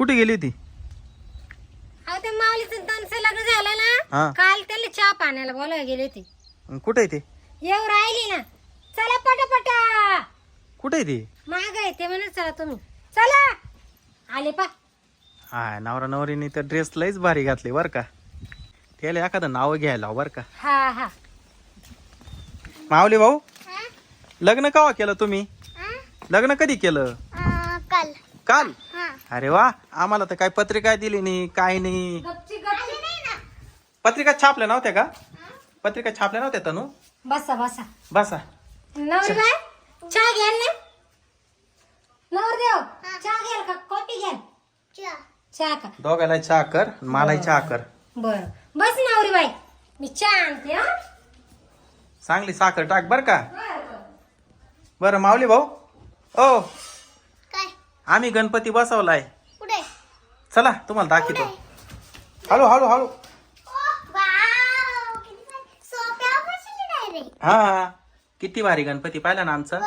कुठे गेली होती? अहो ते माऊलीचं त्यांचं लग्न झालं हा. ना, काल त्याला चहा पाण्याला बोलायला गेले होते. कुठे आहे ते? येऊ राहिली ना, चला पटापटा. कुठे आहे ते? माग आहे ते म्हणत चला तुम्ही, चला आले पा. हा, नवरा नवरीने तर ड्रेस लईच भारी घातले बर का. त्याला एखादं नाव घ्यायला बर का. हा हा. माऊली भाऊ, लग्न केव्हा केलं तुम्ही? लग्न कधी केलं? काल. काल? अरे वा, आम्हाला तर काय पत्रिका दिली नाही, काय नाही. गपची गपची नाही ना. पत्रिका छापल्या नव्हत्या का? पत्रिका छापल्या नव्हत्या तनू? बसा बसा. बसा. नवरी बाय चहा घ्याल ना? नवरदेव चहा घ्याल का कॉफी घ्याल? चहा का? दोघाला चहा कर, मलाही चहा कर. बर बस नवरी बाई, मी चहा आणते. हा चांगली साखर टाक बर का. बरं माऊली भाऊ, ओ काय आम्ही गणपती बसवलाय. कुठे? चला तुम्हाला दाखवतो. हळू हळू हळू. हा, किती भारी गणपती पाहिला ना आमचा.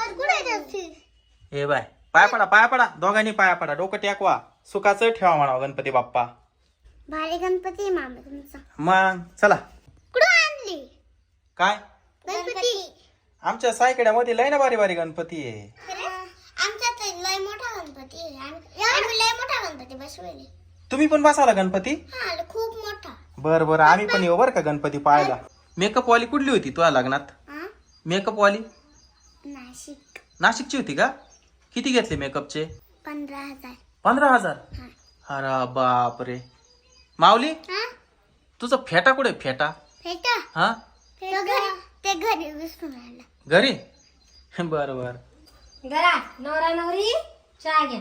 हे बाय, पाया पडा पाया पडा, दोघांनी पाया पडा, डोकं टेकवा, सुखाचं ठेवा म्हणावं गणपती बाप्पा. भारी गणपती मामा तुमचा. मग चला. कुठं आणली काय? गणपती? आमच्या सायकड्यामध्ये लय ना भारी भारी गणपती आहे. आमच्यात लय मोठा गणपती आहे. आम्ही लय मोठा गणपती बसवले. तुम्ही पण बसावला गणपती? हा खूप मोठा. बर बर, आम्ही पण येऊ बर का गणपती पाहायला. मेकअप वाली कुठली होती तुझ्या लग्नात? मेकअप वाली नाशिक. नाशिकची होती का? किती घेतले मेकअपचे? 15,000. 15,000? अरे बाप रे. माऊली, तुझा फेटा कुठे? फेटा? फेटा हा, ते घरी विसरून राहिला. घरी? बर बर. घरा नवरा नवरी चहा घ्या.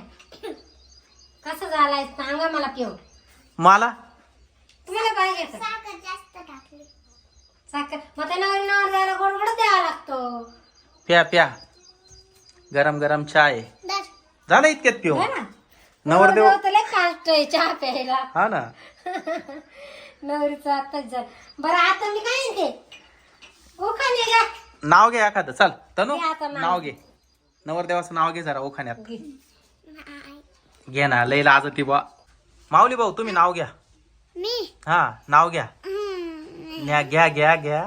कसं झालाय सांगा मला पिऊ. मला तुम्हाला पाहिजे का? साखर जास्त टाकली. साखर मग त्या नवरी नवऱ्याला गोड गोड द्यावा लागतो. प्या प्या, गरम गरम चहा आहे. झालं इतक्यात पिऊ. है ना? नवरदेव नवरदेव तर लय काष्ट आहे चहा प्यायला. हा ना. नवरीचं आताच झालं. बरं आता मी काय म्हणते, उखाणे घ्या. नाव घे एखादं. चल तनू, घे आता नाव. नाव घे. नवरदेवाचं नाव घे जरा ओखाण्यात. घे. घे ना, लई लाजती बा. माऊली भाऊ तुम्ही नाव घ्या. मी हा, नाव घ्या. घ्या घ्या घ्या.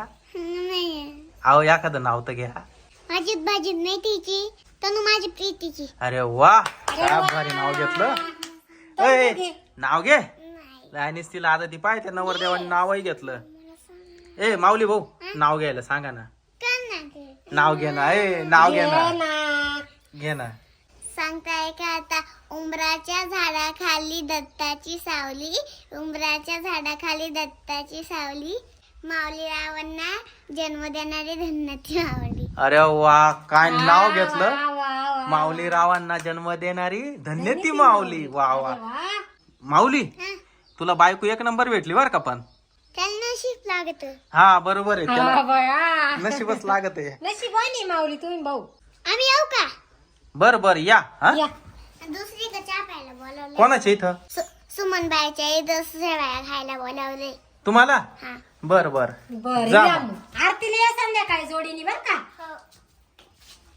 अहो एखादं नाव तर घ्या. माझी भाजी नाही तिची, तनु माझी प्रीतीची. अरे वा, काय भारी नाव घेतलं. ए, नाव घे. लायनीस तिला आता ती पाहिजे नवरदेवाने नावही घेतलं. ए माऊली भाऊ, नाव घ्यायला सांगा ना. नाव घे ना. ए नाव घे ना. घे ना. सांगताय का आता, उंबराच्या झाडाखाली दत्ताची सावली, उंबराच्या झाडाखाली दत्ताची सावली, माऊली रावांना जन्म देणारी धन्याची माऊली. अरे वा, काय नाव घेतलं. माऊली रावांना जन्म देणारी धन्य ती माऊली. वा वा. माऊली, तुला बायको एक नंबर भेटली बर का. पण त्याला नशीब लागत. हा बरोबर आहे, त्याला नशीबच लागत आहे. नशिबाने माऊली तुम्ही भाऊ. आम्ही येऊ का? बर बर या. हा, दुसरी का चहा प्यायला बोलावले. कोणाच्या इथं? सुमन बाईच्या दुसऱ्या बाया खायला बोलावले तुम्हाला. बर बर, बर. जा. आरतीला या संध्याकाळी जोडीने बर का.